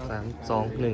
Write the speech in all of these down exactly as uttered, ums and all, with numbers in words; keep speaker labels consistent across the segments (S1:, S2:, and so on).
S1: สามสองหนึ่ง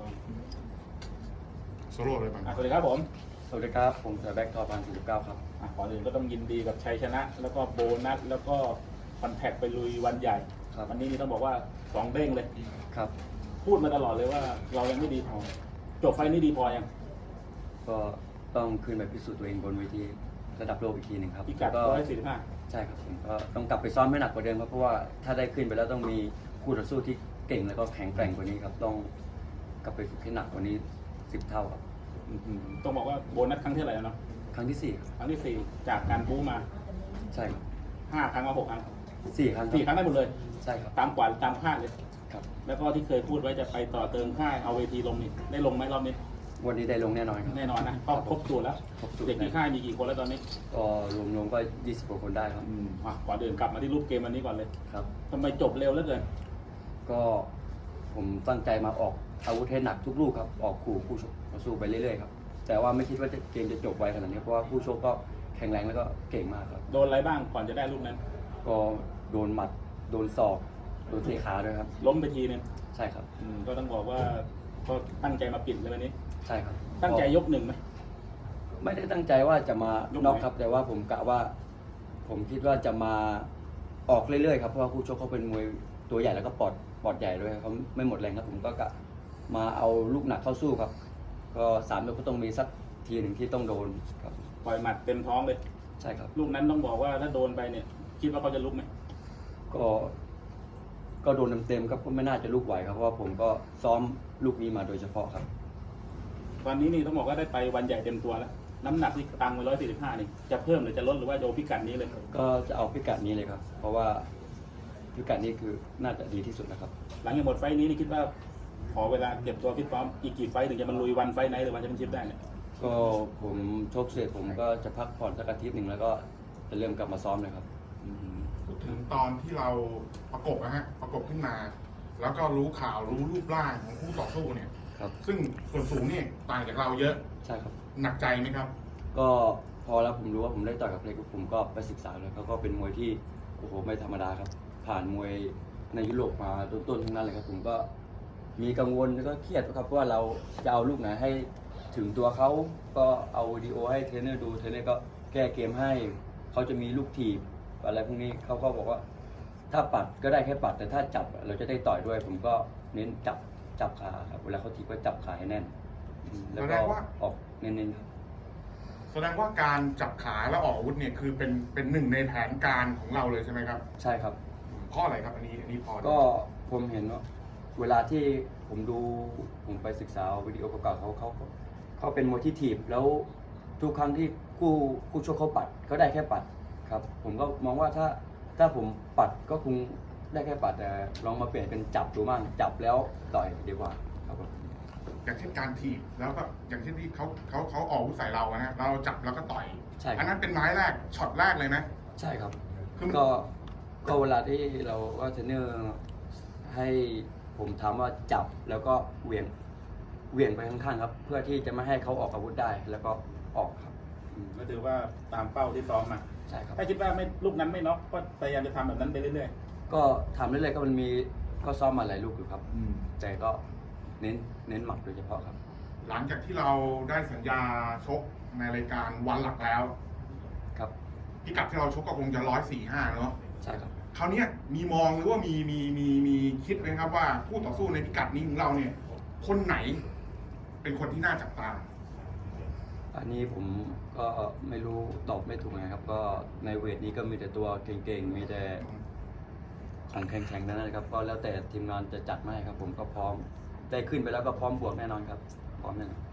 S2: โซโล่เลยบ้าง
S3: สวัสดีครับผม
S4: สวัสดีครับผมเสือแบ็กทอพันสี่สิบเก้าครับ
S3: อ่ะก่อนอื่นก็ต้องยินดีกับชัยชนะ แล้วก็โบนัสแล้วก็คอนแทคไปลุยวันใหญ่วันนี้นี่ต้องบอกว่าสองเด้งเลย
S4: ครับ
S3: พูดมาตลอดเลยว่าเรายังไม่ดีพอจบไฟนี้ดีพอยัง
S4: ก็ต้องขึ้นไปพิสูจน์ตัวเองบนเวทีระดับโลกอีกทีหนึ่งครับ
S3: พิกัดร้อยสี่สิบห้า
S4: ใช่ครับผมก็ต้องกลับไปซ้อมให้หนักกว่าเดิมครับเพราะว่าถ้าได้ขึ้นไปแล้วต้องมีคู่ต่อสู้ที่เก่งแล้วก็แข็งแกร่งกว่านี้ครับต้องกลับไปฝึกให้หนักกว่านี้สิบเท่าครับ
S3: ต้องบอกว่าโบนัสครั้งที่เท่าไหร่แล้วเนาะ
S4: ครั้งที่สี่
S3: ครั้งที่สี่จากการบู๊มา
S4: ใช่ครับ
S3: ห้าครั้งมาหกครั้ง
S4: สี่ครั้ง
S3: สี่ครั้งได้หมดเลย
S4: ใช่ครับ
S3: ตามกว่าตามคาดเลย
S4: ครับ
S3: แล้วก็ที่เคยพูดไว้จะไปต่อเติมค่ายเอาเวทีลงนี่ได้ลงไหมรอบนี้
S4: วันนี้ได้ลงแน่นอนครับ
S3: แน่นอนนะก็ครบสูตรแล้วเด็กที่ค่ายมีกี่คนแล้วตอนนี้
S4: ก็รวมๆก็ยี่สิบกว่าคนได้ครับ
S3: อ่ะก่อนเดินกลับมาที่รูปเกมวันนี้ก่อนเลย
S4: ครับ
S3: ทำไมจบเร็วเหลือเกิน
S4: ก็ผมตั้งใจมาออกอาวุธให้หนักทุกลูกครับออกขู่คู่ชกมาสู้ไปเรื่อยๆครับแต่ว่าไม่คิดว่าเกมจะจบไวขนาดนี้เพราะว่าคู่ชกก็แข็งแรงแล้วก็เก่งมากครับ
S3: โดนอะไรบ้างก่อนจะได้ลูกนั้น
S4: ก็โดนหมัดโดนศอกโดนเตะขาด้วยครับ
S3: ล้มไปทีนึง
S4: ใช่ครับ
S3: ก็ต้องบอกว่าก็ตั้งใจมาปิดเลยวันนี้
S4: ใช่ครับ
S3: ตั้งใจยกหนึ่งไหม
S4: ไม่ได้ตั้งใจว่าจะมาน็อกครับแต่ว่าผมกะว่า ผมคิดว่าจะมาออกเรื่อยๆครับเพราะว่าคู่ชกเขาเป็นมวยตัวใหญ่แล้วก็ปอดปอดใหญ่ด้วยเขาไม่หมดแรงครับผมก็กะมาเอาลูกหนักเข้าสู้ครับก็สามยกก็ต้องมีสักทีหนึ่งที่ต้องโดนครับ
S3: ปล่อยหมัดเต็มท้องเลย
S4: ใช่ครับ
S3: ลูกนั้นต้องบอกว่าถ้าโดนไปเนี่ยคิดว่าเขาจะลุกไหม
S4: ก็ก็โดนเต็มๆครับก็ไม่น่าจะลุกไหวครับเพราะว่าผมก็ซ้อมลูกนี้มาโดยเฉพาะครับ
S3: ตอนนี้นี่ต้องบอกว่าได้ไปวันใหญ่เต็มตัวแล้วน้ำหนักที่ตังไว้ร้อยสี่สิบห้านี่จะเพิ่มหรือจะลดหรือว่าโยพิกัดนี้เลย
S4: ก็จะเอาพิกัดนี้เลยครับเพราะว่าพิกัดนี้คือน่าจะดีที่สุดนะครับ
S3: หลังจากหมดไฟนี้นี่คิดว่าขอเวลาเก็บตัวฟิตซ้อมอีกกี่ไฟถึงจะมาลุยวันไฟไหนหรือวันแชมเปี้ยนชิพได้เนี่ย
S4: ก็ผมชกเสร็จผมก็จะพักผ่อนสักอาทิตย์หนึ่งแล้วก็จะเริ่มกลับมาซ้อมเลยครับ
S2: พูดถึงตอนที่เราประกบนะฮะประกบขึ้นมาแล้วก็รู้ข่าวรู้รูปร่างของคู่ต่อสู้เนี่ย
S4: ครับ
S2: ซึ่งส่วนสูงเนี่ยต่างจากเราเยอะ
S4: ใช่ครับ
S2: หนักใจไหมครับ
S4: ก็พอแล้วผมรู้ว่าผมได้ต่อยกับเล็กผมก็ไปศึกษาเลยเขาก็เป็นมวยที่โอ้โหไม่ธรรมดาครับผ่านมวยในยุโรปมาต้นๆทั้งนั้นเลยครับผมก็มีกังวลแล้วก็เครียดครับเพราะว่าเราจะเอาลูกไหนให้ถึงตัวเขาก็เอาวิดีโอให้เทรนเนอร์ดูเทรนเนอร์ก็แก้เกมให้เขาจะมีลูกถีบอะไรพวกนี้เขาก็บอกว่าถ้าปัดก็ได้แค่ปัดแต่ถ้าจับเราจะได้ต่อยด้วยผมก็เน้นจับจับขาครับเวลาเขาถีบก็จับขาให้แน่นแล้วก็ออกเน้นๆครับ
S2: แสดงว่าการจับขาแล้วออกอาวุธเนี่ยคือเป็นเป็นหนึ่งในแผนการของเราเลยใช่ไหมครับ
S4: ใช่ครับ
S2: ข้ออะไรครับอันนี้อันนี้พอ
S4: ก็ผมเห็นว่าเวลาที่ผมดูผมไปศึกษาวิดีโอเก่าๆเขาเขาเขาเป็นมวยที่ถีบแล้วทุกครั้งที่คู่คู่ชกเขาปัดเขาได้แค่ปัดครับผมก็มองว่าถ้าถ้าผมปัดก็คงได้แค่ปัดแต่ลองมาเปลี่ยนเป็นจับดูมั่งจับแล้วต่อยดีกว่าครับ
S2: อย่างเช่นการถีบแล้วก็อย่างเช่นที่เขาเขาเขาออกอาวุธใส่เรานะเราจับแล้วก็ต่อย
S4: ใช่
S2: อันนั้นเป็นไม้แรกช็อตแรกเลยนะ
S4: ใช่ครับก็ก็เวลาที่เราก็เทรนเนอร์ให้ผมถามว่าจับแล้วก็เหวี่ยงเหวี่ยงไปข้างๆครับเพื่อที่จะไม่ให้เขาออกอาวุธได้แล้วก็ออกครับ
S3: ก็ถือว่าตามเป้าที่ซ้อมมา
S4: ใช่ครับ
S3: ถ้าคิดว่าไม่ลูกนั้นไม่น็อกก็พยายามจะทำแบบนั้นไปเรื่อย
S4: ๆก็ทำเรื่อยๆก็มันมีก็ซ้อมมาหลายลูกอยู่ครับแต่ก็เน้นเน้นหมัดโดยเฉพาะครับ
S2: หลังจากที่เราได้สัญญาชกในรายการวันหลักแล้ว
S4: ครับ
S2: พิกัดที่เราชกก็คงจะร้อยสี่ห้าเนาะ
S4: ใช่ครับ
S2: คราวนี้มีมองหรือว่ามีมีมีมีคิดไหมครับว่าผู้ต่อสู้ในพิกัดนี้ของเราเนี่ยคนไหนเป็นคนที่น่าจับตา
S4: อันนี้ผมก็ไม่รู้ตอบไม่ถูกนะครับก็ในเวทนี้ก็มีแต่ตัวเก่งๆมีแต่ของแข็งๆนั่นแหละครับก็แล้วแต่ทีมงานจะจัดมาให้ครับผมก็พร้อมได้ขึ้นไปแล้วก็พร้อมบวกแน่นอนครับพร้อมแน่นอน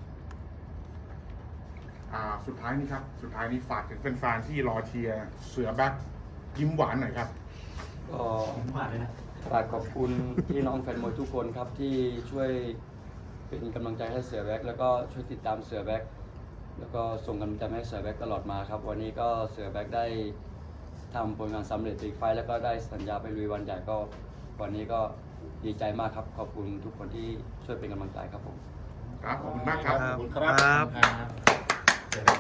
S2: อ่าสุดท้ายนี้ครับสุดท้ายนี้ฝากถึงแฟนๆที่รอเชียร์เสือแบ็คยิ้มหวานหน่อยครับ
S4: ก็ฝากขอบคุณพี่น้องแฟนมวยทุกคนครับที่ช่วยเป็นกำลังใจให้เสือแบ็คแล้วก็ช่วยติดตามเสือแบ็คแล้วก็ส่งกำลังใจให้เสือแบ็คตลอดมาครับวันนี้ก็เสือแบ็คได้ทำผลงานสำเร็จอีกไฟแล้วก็ได้สัญญาไปลุยวันใหญ่ก็วันนี้ก็ดีใจมากครับขอบคุณทุกคนที่ช่วยเป็นกำลังใจครับผม
S2: ครับขอบคุณมากครับ
S3: ขอบคุณครับ